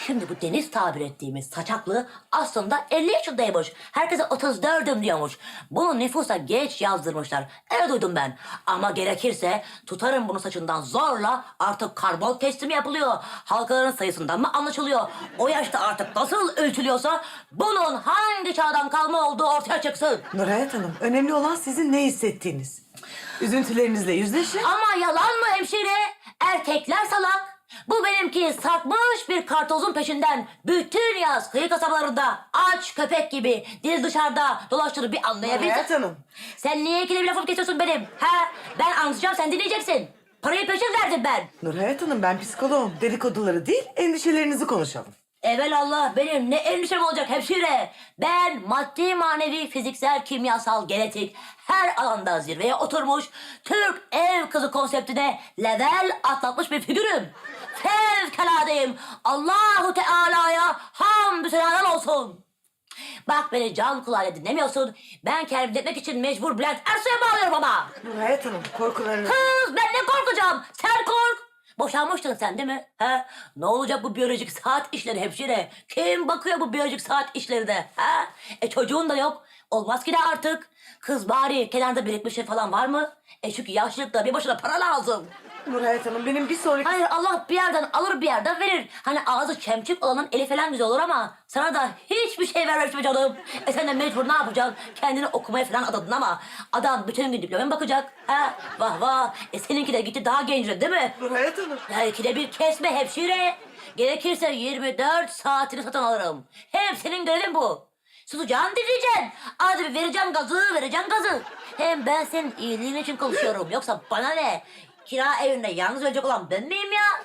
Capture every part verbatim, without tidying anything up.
Şimdi bu Deniz tabir ettiğimiz saçaklı aslında elli yaşındaymış. Herkese otuz dördüm diyormuş. Bunu nüfusa geç yazdırmışlar. Öyle duydum ben. Ama gerekirse tutarım bunu saçından zorla, artık karbon testi mi yapılıyor? Halkaların sayısından mı anlaşılıyor? O yaşta artık nasıl ölçülüyorsa bunun hangi çağdan kalma olduğu ortaya çıksın. Nurhayat Hanım, önemli olan sizin ne hissettiğiniz. Üzüntülerinizle yüzleşin. Ama yalan mı hemşire? Erkekler salak. Bu benimki sarkmış bir kartozun peşinden bütün yaz kıyı kasabalarında aç köpek gibi dil dışarıda dolaştığını bir anlayabilsin. Nurhayat Hanım. Sen niye ikide bir lafımı kesiyorsun benim? Ha? Ben anlatacağım, sen dinleyeceksin. Parayı peşin verdim ben. Nurhayat Hanım, ben psikoloğum. Dedikoduları değil, endişelerinizi konuşalım. Evelallah, benim ne endişem olacak hemşire. Ben maddi, manevi, fiziksel, kimyasal, genetik her alanda zirveye oturmuş Türk ev kızı konseptine level atlatmış bir figürüm. Fevkaladeyim. Allahu Teala'ya hamdü senalar olsun. Bak, beni can kulağıyla dinlemiyorsun. Ben kendimi dinletmek için mecbur Bülent Ersoy'a bağlıyorum ama. Nurhayat Hanım, korkularınız... Kız, ben ne korkacağım? Sen kork. Boşanmıştın sen değil mi? Ha? Ne olacak bu biyolojik saat işleri hemşire? Kim bakıyor bu biyolojik saat işlerine? Ha? E çocuğun da yok. Olmaz ki de artık. Kız bari kenarda birikmiş şey falan var mı? E çünkü yaşlılıkta bir başına para lazım. Nurhayat Hanım, benim bir sonraki... Hayır, Allah bir yerden alır bir yerden verir. Hani ağzı çemçük olanın eli falan güzel olur ama sana da hiçbir şey vermemiş be canım. E sen de mecbur ne yapacaksın? Kendini okumaya falan adadın ama adam bütün gün diplomaya bakacak. Ha? Vah vah. E seninki de gitti daha gençle değil mi? Nurhayat Hanım. Ya ikide bir kesme hemşire. Gerekirse yirmi dört saatini satın alırım. Hem senin görevin bu. Susacağını dinleyeceksin. Arada bir vereceğim gazı, vereceğim gazı. Hem ben senin iyiliğin için konuşuyorum. Yoksa bana ne? Kira evinde yalnız ölecek olan ben miyim ya?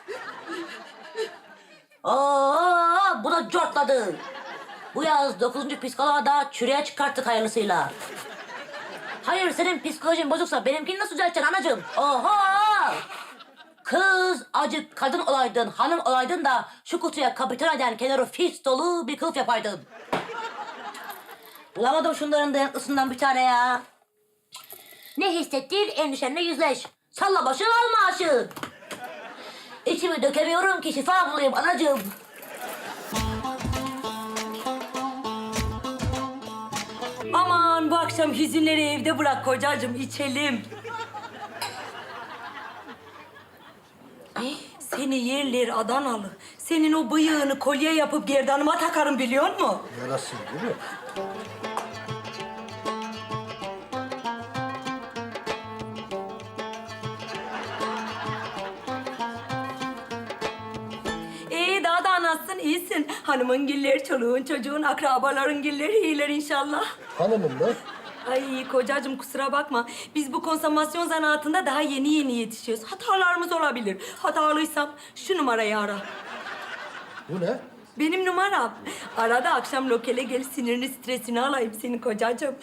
Oo, bu da cortladı. Bu yaz dokuzuncu psikoloğa da çürüye çıkarttık hayırlısıyla. Hayır, senin psikolojin bozuksa benimkini nasıl düzelteceksin anacığım? Oha! Kız acık kadın olaydın, hanım olaydın da şu kutuya kapitan eden kenarı fis dolu bir kılıf yapaydın. Bulamadım şunların dayanıklısından bir tane ya. Ne hissettiğin endişenle yüzleş. Salla başını al maaşı. İçimi dökemiyorum ki şifa bulayım anacığım. Aman bu akşam hüzünleri evde bırak kocacığım, içelim. Seni yerler Adanalı. Senin o bıyığını kolye yapıp gerdanıma takarım biliyor musun? Yarasın değil mi? İyi, daha da nasılsın? İyisin. Hanımın giller, çoluğun, çocuğun, akrabaların giller iyiler inşallah. Hanımım da. Ay kocacığım kusura bakma. Biz bu konsomasyon zanaatında daha yeni yeni yetişiyoruz. Hatalarımız olabilir. Hatalıysam şu numarayı ara. Bu ne? Benim numaram. Arada akşam lokale gel, sinirini stresini alayım senin kocacığım.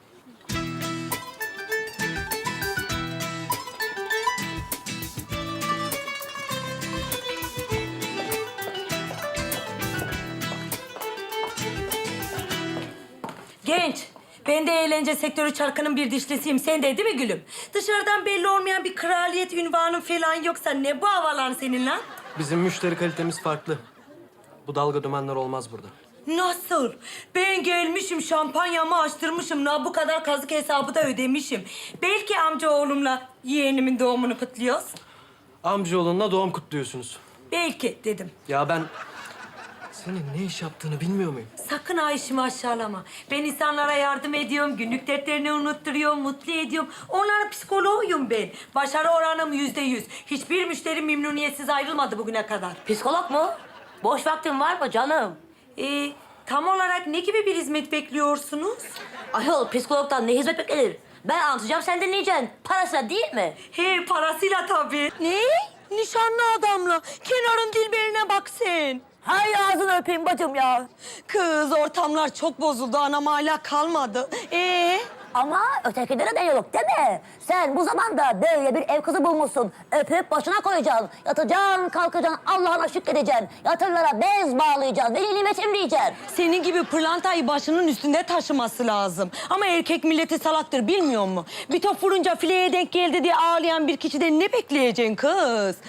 Genç, ben de eğlence sektörü çarkının bir dişlisiyim. Sen de değil mi gülüm? Dışarıdan belli olmayan bir kraliyet ünvanın falan yoksa ne bu havalar senin lan? Bizim müşteri kalitemiz farklı. Bu dalga dümenler olmaz burada. Nasıl? Ben gelmişim, şampanyamı açtırmışım. Na bu kadar kazık hesabı da ödemişim. Belki amcaoğlumla yeğenimin doğumunu kutluyoruz. Amcaoğlunla doğum kutluyorsunuz. Belki dedim. Ya ben senin ne iş yaptığını bilmiyor muyum? Sakın ha işimi aşağılama. Ben insanlara yardım ediyorum, günlük dertlerini unutturuyorum, mutlu ediyorum. Onların psikoloğuyum ben. Başarı oranım yüzde yüz. Hiçbir müşteri memnuniyetsiz ayrılmadı bugüne kadar. Psikolog mu? Boş vaktin var mı canım? Ee, tam olarak ne gibi bir hizmet bekliyorsunuz? Ayol, psikologdan ne hizmet beklenir? Ben anlatacağım, sen dinleyeceksin. Parasıyla değil mi? He, parasıyla tabii. Ne? Nişanlı adamla. Kenarın dilberine bak sen. Hay ağzını öpeyim bacım ya. Kız ortamlar çok bozuldu. Anam hala kalmadı. Ee? Ama ötekilere de yok değil mi? Sen bu zamanda böyle bir ev kızı bulmuşsun. Öpüp başına koyacaksın. Yatacaksın, kalkacaksın, Allah'ına şükredeceksin. Yatırlara bez bağlayacaksın, veli nimetim diyeceksin. Senin gibi pırlantayı başının üstünde taşıması lazım. Ama erkek milleti salaktır bilmiyor mu? Bir top vurunca fileye denk geldi diye ağlayan bir kişiden ne bekleyeceksin kız?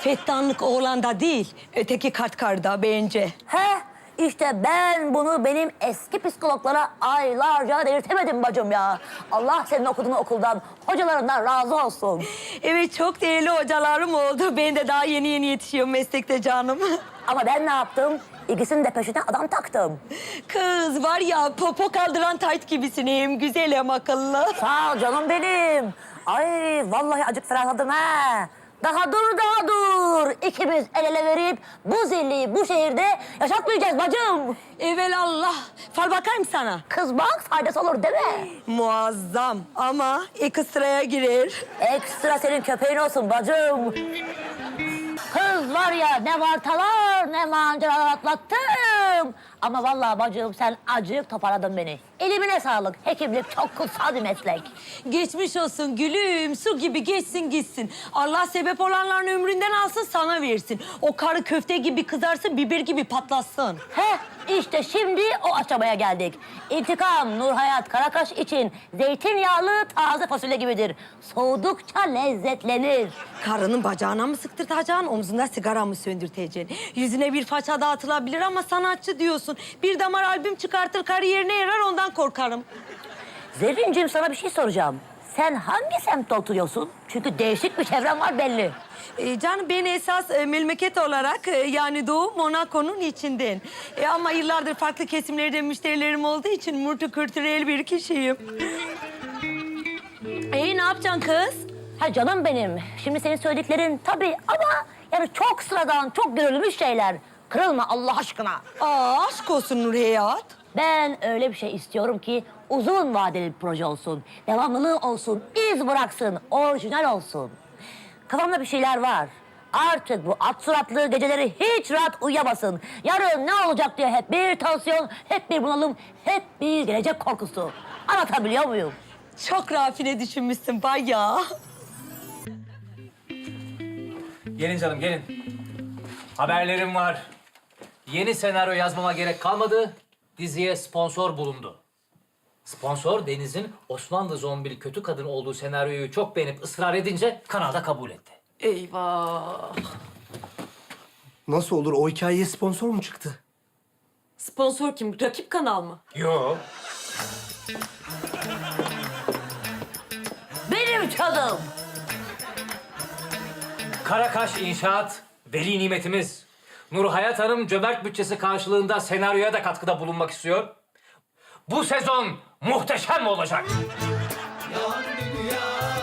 Fettanlık oğlanda değil, öteki kartkarda bence. He, işte ben bunu benim eski psikologlara aylarca delirtemedim bacım ya. Allah senin okuduğun okuldan, hocalarından razı olsun. Evet, çok değerli hocalarım oldu. Ben de daha yeni yeni yetişiyorum meslekte canım. Ama ben ne yaptım? İkisinin de peşine adam taktım. Kız var ya, popo kaldıran tayt gibisin. Hem güzel hem akıllı. Sağ ol canım benim. Ay vallahi acık ferahladım ha. Daha dur, daha dur. İkimiz el ele verip bu zilliyi bu şehirde yaşatmayacağız bacım. Evelallah. Fal bakayım sana. Kız bak faydası olur değil mi? Muazzam ama ekstraya girer. Ekstra senin köpeğin olsun bacım. Kız var ya ne vartalar ne manceralar atlattım. Ama vallahi bacım sen acık toparladın beni. Elimine sağlık. Hekimlik çok kutsal bir meslek. Geçmiş olsun gülüm. Su gibi geçsin gitsin. Allah sebep olanların ömründen alsın sana versin. O karı köfte gibi kızarsın, biber gibi patlasın. Heh işte şimdi o aşamaya geldik. İntikam Nurhayat Karakaş için zeytinyağlı taze fasulye gibidir. Soğudukça lezzetlenir. Karının bacağına mı sıktırtacaksın, omzunda sigara mı söndürteceksin? Yüzüne bir faça dağıtılabilir ama sanatçı diyorsun. Bir damar albüm çıkartır, kariyerine yarar, ondan korkarım. Zerrincim sana bir şey soracağım. Sen hangi semtte oturuyorsun? Çünkü değişik bir çevren var belli. Ee, canım ben esas e, memleket olarak e, yani Doğu Monaco'nun içinden. E, ama yıllardır farklı kesimlerde müşterilerim olduğu için multikültürel bir kişiyim. E ne yapacaksın kız? Ha canım benim. Şimdi senin söylediklerin tabii ama yani çok sıradan, çok görülmüş şeyler. Kırılma Allah aşkına. Aa, aşk olsun Nurhayat. Ben öyle bir şey istiyorum ki uzun vadeli bir proje olsun. Devamlılığı olsun, iz bıraksın, orijinal olsun. Kafamda bir şeyler var. Artık bu at suratlı geceleri hiç rahat uyuyamasın. Yarın ne olacak diye hep bir tansiyon, hep bir bunalım, hep bir gelecek korkusu. Anlatabiliyor muyum? Çok rafine düşünmüşsün bayağı. Gelin canım gelin. Haberlerim var. Yeni senaryo yazmama gerek kalmadı. Diziye sponsor bulundu. Sponsor Deniz'in Osmanlı zombili kötü kadın olduğu senaryoyu çok beğenip ısrar edince kanalda kabul etti. Eyvah. Nasıl olur? O hikayeye sponsor mu çıktı? Sponsor kim? Rakip kanal mı? Yo. Benim canım. Karakaş İnşaat, veli nimetimiz. Nurhayat Hanım cömert bütçesi karşılığında senaryoya da katkıda bulunmak istiyor. Bu sezon muhteşem olacak. Yalan dünya